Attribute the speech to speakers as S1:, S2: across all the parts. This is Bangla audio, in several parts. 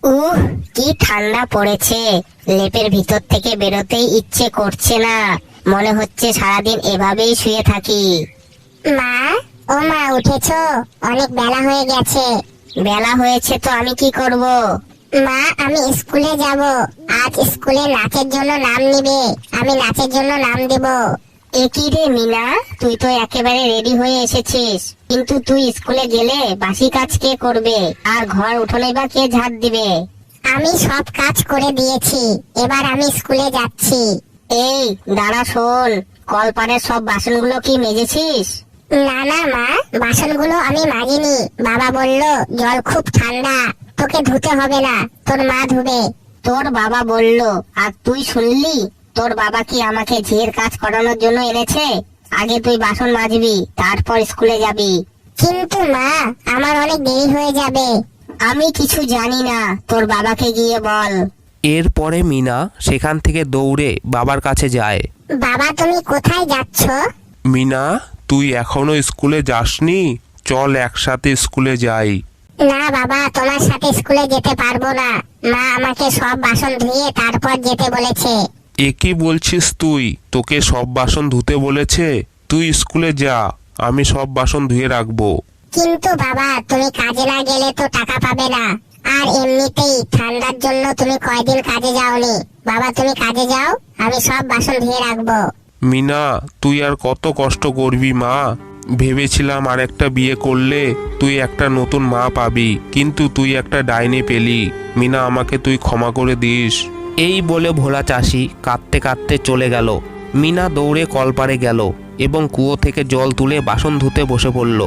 S1: উহ, কি ঠান্ডা পড়েছে। লেপের ভিতর থেকে বেরোতেই ইচ্ছে করছে না। মনে হচ্ছে সারাদিন এভাবেই শুয়ে থাকি।
S2: মা, ও মা, উঠেছো? অনেক বেলা হয়ে গেছে।
S1: বেলা হয়েছে তো আমি কি করব?
S2: মা, আমি স্কুলে যাব। আজ স্কুলে নাচের জন্য নাম নিবে। আমি নাচের জন্য নাম দেব।
S1: এ কি রে মিনা, তুই তো একেবারে রেডি হয়ে এসেছিস, কিন্তু তুই স্কুলে গেলে বাসি কাজ কে করবে? আর ঘর উঠোনে বা কে ঝাড় দিবে?
S2: আমি সব কাজ করে দিয়েছি, এবার আমি স্কুলে যাচ্ছি।
S1: এই দাঁড়া, শোন, কলপারের সব বাসনগুলো কি মেজেছিস?
S2: না না মা, বাসনগুলো আমি মাজিনি। বাবা বলল জল খুব ঠান্ডা, তোকে ধুতে হবে না, তোর মা ধুবে।
S1: তোর বাবা বলল আর তুই শুনলি? তোর বাবা কি আমাকে ঝিয়ের কাজ করানোর জন্য এনেছে? আগে তুই বাসন মাজবি, তারপর স্কুলে যাবি।
S2: কিন্তু মা, আমার অনেক দেরি হয়ে যাবে।
S1: আমি কিছু জানি না, তোর বাবাকে গিয়ে বল।
S3: এরপরে মিনা সেখান থেকে দৌড়ে বাবার কাছে যায়।
S2: বাবা, তুমি কোথায় যাচ্ছ?
S4: মিনা, তুই এখনো স্কুলে যাসনি? চল একসাথে স্কুলে যাই।
S2: না বাবা, তোমার সাথে স্কুলে যেতে পারবো না। মা আমাকে সব বাসন ধুয়ে তারপর যেতে বলেছে।
S4: এ কি বলছিস তুই? তোকে সব বাসন ধুতে বলেছে? তুই স্কুলে যা, আমি সব বাসন ধুয়ে রাখবো।
S2: কিন্তু বাবা, তুমি কাজে না গেলে তো টাকা পাবে না। আর এমনিতেই ঠান্ডার জন্য তুমি কয়দিন কাজে যাওনি। বাবা, তুমি কাজে যাও, আমি সব বাসন ধুয়ে রাখবো।
S4: মিনা, তুই আর কত কষ্ট করবি মা? ভেবেছিলাম আর একটা বিয়ে করলে তুই একটা নতুন মা পাবি, কিন্তু তুই একটা ডাইনি পেলি। মিনা, আমাকে তুই ক্ষমা করে দিস।
S3: এই বলে ভোলা চাষি কাঁদতে কাঁদতে চলে গেল। মিনা দৌড়ে কলপারে গেল এবং কুয়ো থেকে জল তুলে বাসন ধুতে বসে পড়ল।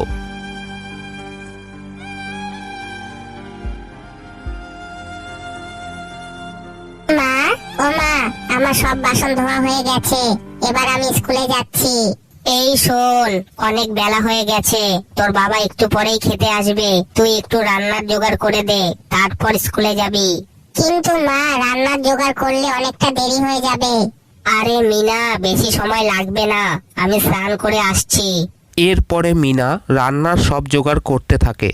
S2: মা, ও মা, আমার সব বাসন ধোয়া হয়ে গেছে, এবার আমি স্কুলে যাচ্ছি।
S1: এই শোন, অনেক বেলা হয়ে গেছে, তোর বাবা একটু পরেই খেতে আসবে। তুই একটু রান্নার জোগাড় করে দে, তারপর স্কুলে যাবি।
S2: কিন্তু মা, রান্নার জোগাড় করলে অনেকটা দেরি হয়ে যাবে।
S1: আরে মিনা, বেশি সময় লাগবে না, আমি স্নান করে আসছি।
S3: এরপরে মিনা রান্নার সব জোগাড় করতে থাকে।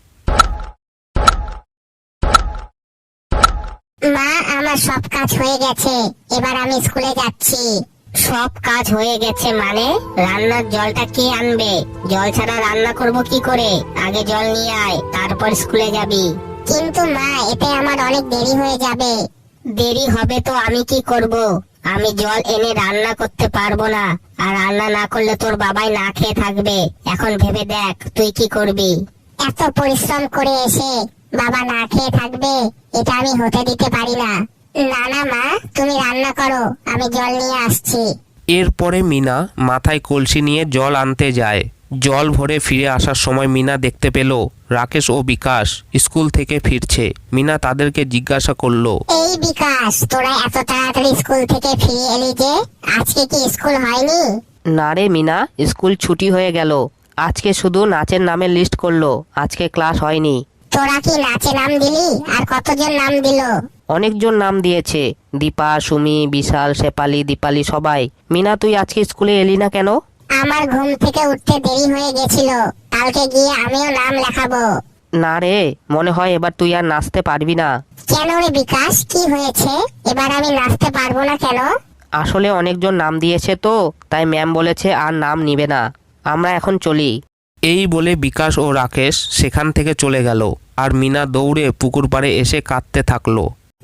S2: মা, আমার সব কাজ হয়ে গেছে, এবার আমি স্কুলে যাচ্ছি।
S1: সব কাজ হয়ে গেছে মানে? রান্নার জলটা কে আনবে? জল ছাড়া রান্না করব কি করে? আগে জল নিয়ে আয়, তারপর স্কুলে যাবি।
S2: কিন্তু মা, এতে আমার অনেক দেরি হয়ে যাবে।
S1: দেরি হবে তো আমি কি করব? আমি জল এনে রান্না করতে পারবো না, আর রান্না না করলে তোর বাবাই না খেয়ে থাকবে। এখন ভেবে দেখ তুই কি করবি।
S2: এত পরিশ্রম করে এসে বাবা না খেয়ে থাকবে, এটা আমি হতে দিতে পারি না। না না মা, তুমি রান্না করো, আমি জল নিয়ে আসছি।
S3: এরপরে মিনা মাথায় কলসি নিয়ে জল আনতে যায়। জল ভরে ফিরে আসার সময় মিনা দেখতে পেল রাকেশ ও বিকাশ স্কুল থেকে ফিরছে। মিনা তাদেরকে জিজ্ঞাসা করলো,
S2: এই বিকাশ, তোরা এত তাড়াতাড়ি স্কুল থেকে ফিরে এলি যে? আজকে কি স্কুল হয়নি?
S5: না রে মিনা, স্কুল ছুটি হয়ে গেল। আজকে শুধু নাচের নামের লিস্ট করলো, আজকে ক্লাস হয়নি।
S2: তোরা কি নাচে নাম দিলি? আর কতজন নাম দিল?
S5: অনেকজন নাম দিয়েছে, দীপা, সুমি, বিশাল, শেফালি, দীপালি, সবাই। মিনা, তুই আজকে স্কুলে এলি না কেন?
S2: আমার ঘুম থেকে উঠতে দেরি হয়ে গেছিল, কালকে গিয়ে আমিও নাম লেখাবো।
S5: না রে, মনে হয় এবার তুই আর নাচতে পারবি না।
S2: কেন রে বিকাশ, কি হয়েছে? এবার আমি নাচতে পারবো না কেন?
S5: আসলে অনেকজন নাম দিয়েছে তো, তাই ম্যাম বলেছে আর নাম নিবে না। আমরা এখন চলি।
S3: এই বলে বিকাশ ও রাকেশ সেখান থেকে চলে গেল। আর মিনা দৌড়ে পুকুর পাড়ে এসে কাঁদতে থাকলো।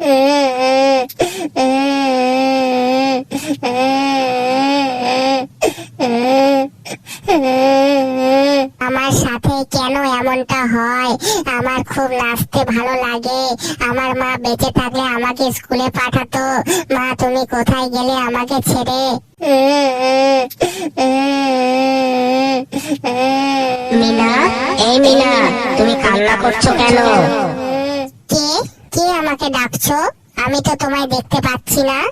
S2: আমার সাথে কেন এমনটা হয়? আমার খুব নাচতে ভালো লাগে। আমার মা বেঁচে থাকলে আমাকে স্কুলে পাঠাতো। মা, তুমি কোথায় গেলে আমাকে ছেড়ে?
S1: মিনা, এই মিনা, তুমি কান্না করছো কেন?
S2: কে কে আমাকে ডাকছো? আমি তো তোমায় দেখতে পাচ্ছি না।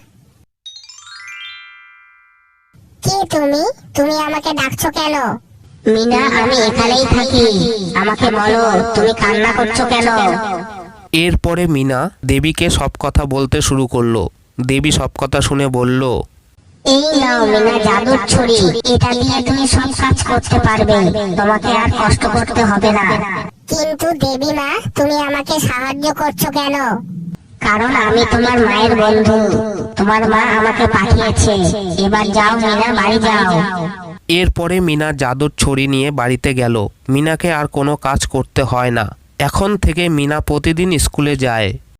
S2: কে তুমি? তুমি আমাকে ডাকছো কেন?
S1: মিনা, আমি এখানেই থাকি, আমাকে বলো তুমি কান্না করছো কেন?
S3: এরপরে মিনা দেবীকে সব কথা বলতে শুরু করলো। দেবী সব কথা শুনে বলল,
S1: এই নাও মিনা জাদুর ছড়ি, এটা দিয়ে তুমি সব কাজ করতে পারবে, তোমাকে আর কষ্ট করতে হবে না।
S2: কিন্তু কিন্তু দেবী মা, তুমি আমাকে সাহায্য করছো কেন?
S1: কারণ আমি তোমার মায়ের বন্ধু, তোমার মা আমাকে পাঠিয়েছে। এবার যাও মিনা, বাড়ি যাও।
S3: এরপরে মিনা জাদুর ছড়ি নিয়ে বাড়িতে গেল। মিনাকে আর কোনো কাজ করতে হয় না। এখন থেকে মিনা প্রতিদিন স্কুলে যায়।